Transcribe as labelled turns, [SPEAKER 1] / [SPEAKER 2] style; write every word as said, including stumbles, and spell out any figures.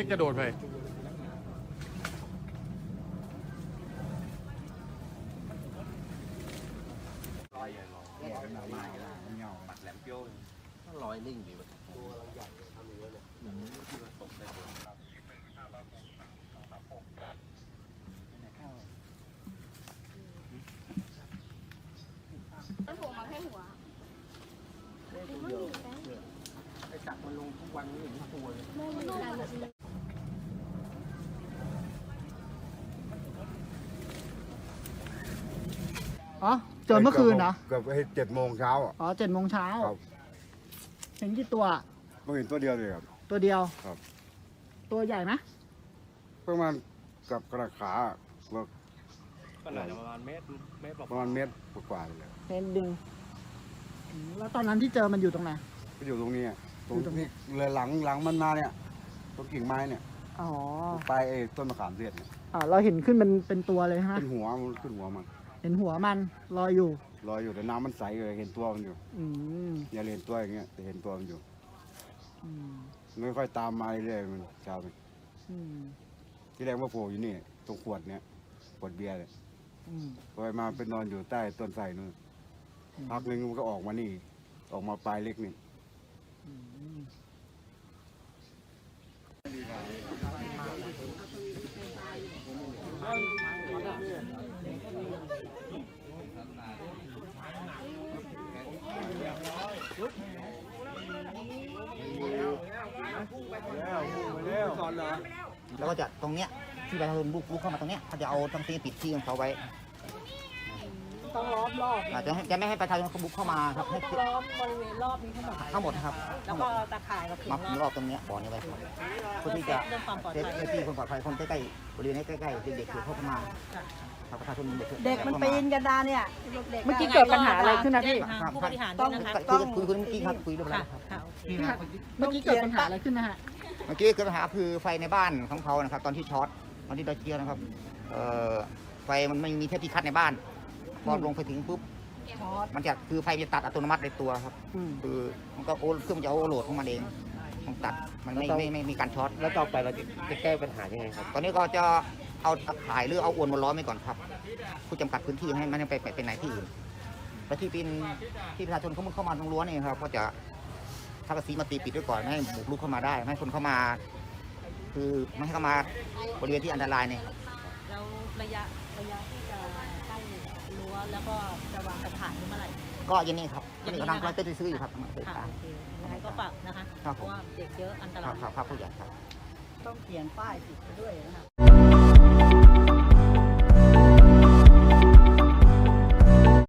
[SPEAKER 1] ล็กกระโดดไป
[SPEAKER 2] ลอยลอยเนี่ยมันมาไม่ได้มันเงาปัดแหลมเปี้ยวมันลอยนิ่งดีแบบตัวเราใหญ่ทำอย่างนี้เนี่ยอย่างนี้ที่มันตกได้เลย
[SPEAKER 3] ต้นหัวมาแค่หัว
[SPEAKER 2] ไอ้จักมันลงทุกวันนี้อย่างนี้ตัวเลย
[SPEAKER 4] อ๋อเจอเมื่อคืนนะ
[SPEAKER 5] เกือบเจ็ดโมงเช้าอ่ะ
[SPEAKER 4] อ๋อเจ็ดโมงเช้า
[SPEAKER 5] ครับ
[SPEAKER 4] เห็นกี่ตัว
[SPEAKER 5] เพิ่งเห็นตัวเดียวเลยครับ
[SPEAKER 4] ตัวเดียว
[SPEAKER 5] ครับ
[SPEAKER 4] ตัวใหญ่ไหม
[SPEAKER 5] ประมาณกับกระขาก็
[SPEAKER 2] ก็น่าจะประมาณเมตรเมตร
[SPEAKER 5] ประมาณเมตรกว่าๆเลย
[SPEAKER 4] เห็นดึงอืมแล้วตอนนั้นที่เจอมันอยู่ตรงไหน
[SPEAKER 5] ก็อยู่ตรงนี้อะตรง
[SPEAKER 4] อยู่ตรงนี้
[SPEAKER 5] ที่เลยหลังหลังมันมาเนี่ยตรงกิ่งไม้เนี่ย
[SPEAKER 4] อ๋อ
[SPEAKER 5] ปลายไอ้ต้นมะขามเทศเนี่ย
[SPEAKER 4] อ่าเราเห็นขึ้นเป็นเป็นตัวเลยฮะ
[SPEAKER 5] ขึ้นหัวมันขึ้นหัวมัน
[SPEAKER 4] เห็นหัวมันลอยอยู่
[SPEAKER 5] ลอยอยู่แต่น้ำมันใสเลยเห็นตัวมันอยู่
[SPEAKER 4] อืม
[SPEAKER 5] อย่าเห็นตัวอย่างเงี้ยแต่เห็นตัวมันอยู่
[SPEAKER 4] อืม
[SPEAKER 5] ไม่ค่อยตามมาเรื่อยๆมันเช้าไป
[SPEAKER 4] อืม
[SPEAKER 5] ที่แรกว่าโผล่อยู่นี่ตรงขวดเนี่ยขวดเบียร์เลย
[SPEAKER 4] อืม
[SPEAKER 5] พอมาเป็นนอนอยู่ใต้ต้นไทรนู่นพักหนึงมันก็ออกมานี่ออกมาปลายเล็กนี่
[SPEAKER 4] อืม
[SPEAKER 6] แล้วก็จะตรงเนี้ยที่ประชาชนบุกรุกเข้ามาตรงเนี้ยเขาจะเอาทั้งที่ปิดที่ของเขาไว้
[SPEAKER 4] ต้องล้อมรอบ
[SPEAKER 6] อาจจะให้จะไม่ให้ประชาชนเขาบุกเข้ามาครับให้
[SPEAKER 7] ล้อมบริเวณรอบนี้ทั้งหมด
[SPEAKER 6] ทั้งหมดครับ
[SPEAKER 7] แล้วก็ตาข่ายกับเข็ม
[SPEAKER 6] มาร
[SPEAKER 7] อบ
[SPEAKER 6] รอบตรงเนี้ยบ่อนี้ไว้ครับเพื่อที่จะ
[SPEAKER 7] เรื่องความปลอด
[SPEAKER 6] เซฟ
[SPEAKER 7] ภัย
[SPEAKER 6] ที่คนปลอดภัยคนใกล้ๆบริเวณนี้ใกล้ๆเด็กๆคือเข้ามาครับประชาชนเด็ก
[SPEAKER 7] เด็กมันปีนกันดาเนี่ยเด็ก
[SPEAKER 4] เมื่อกี้เกิดปัญหาอะไรขึ้นนะพี่
[SPEAKER 7] ผู้บริหารด้วยนะคะ
[SPEAKER 6] คุยคุยคุยเมื่อกี้ครับคุยเรื่องอะไร
[SPEAKER 7] ค่ะ
[SPEAKER 6] ครับ
[SPEAKER 7] ค่ะ
[SPEAKER 4] เมื่อกี้เกิดปัญหาอะไรขึ้นนะฮะ
[SPEAKER 6] เมื่อกี้เกิดปัญหาคือไฟในบ้านของเขานะครับ ตอนที่ช็อตตอนที่เราเจียนะครับเอ่อไฟมันไม่มีเทปที่คัดในบ้านพอลงไปถึงปุ๊บมันจะคือไฟจะตัดอัตโนมัติในตัวครับ
[SPEAKER 4] อืม
[SPEAKER 6] คือมันก็โอเครื่องมันจะโอเวอร์โหลดของมันเองมันตัดมันไม่ไม่ไม่ไม่มีการช็อต
[SPEAKER 2] แล้วต่อไปเราจะแก้ปัญหายังไงครับ
[SPEAKER 6] ตอนนี้ก็จะเอาตะข่ายหรือเอาอวนมาล้อมไว้ก่อนครับผู้จำกัดพื้นที่ให้มันไม่ไปไปเป็นไหนที่อื่นและที่เป็นที่ประชาชนเขาเข้ามาตรงรั้วนี่ครับก็จะทากระสีมาตีปิดไว้ก่อนไม่ให้บุกรุกเข้ามาได้ไม่ให้คนเข้ามา คือไม่ให้เข้ามาบริเวณที่อันตรายเนี่ยครับ
[SPEAKER 7] แล้วระยะระยะที่จะใกล้รั้วแล้วก็จะวางกระถางนี่เมื่อไหร่
[SPEAKER 6] ก็อยังนี้ครับตอนนี้กำลังกำลังจะซื้ออยู่ครับกำลังจะ
[SPEAKER 7] ค่ะ
[SPEAKER 6] ตาม
[SPEAKER 7] โอเคยังไงก็ฝากนะคะ
[SPEAKER 6] ครับ
[SPEAKER 7] เพ
[SPEAKER 6] ผม
[SPEAKER 7] ราะว่าเด็กเยอะอันต
[SPEAKER 6] ค
[SPEAKER 7] รา
[SPEAKER 6] รับ
[SPEAKER 7] ย
[SPEAKER 6] ครับครับผู้ใหญ่ครับ
[SPEAKER 7] ต้องเขียนป้ายติดไปด้วยนะคะ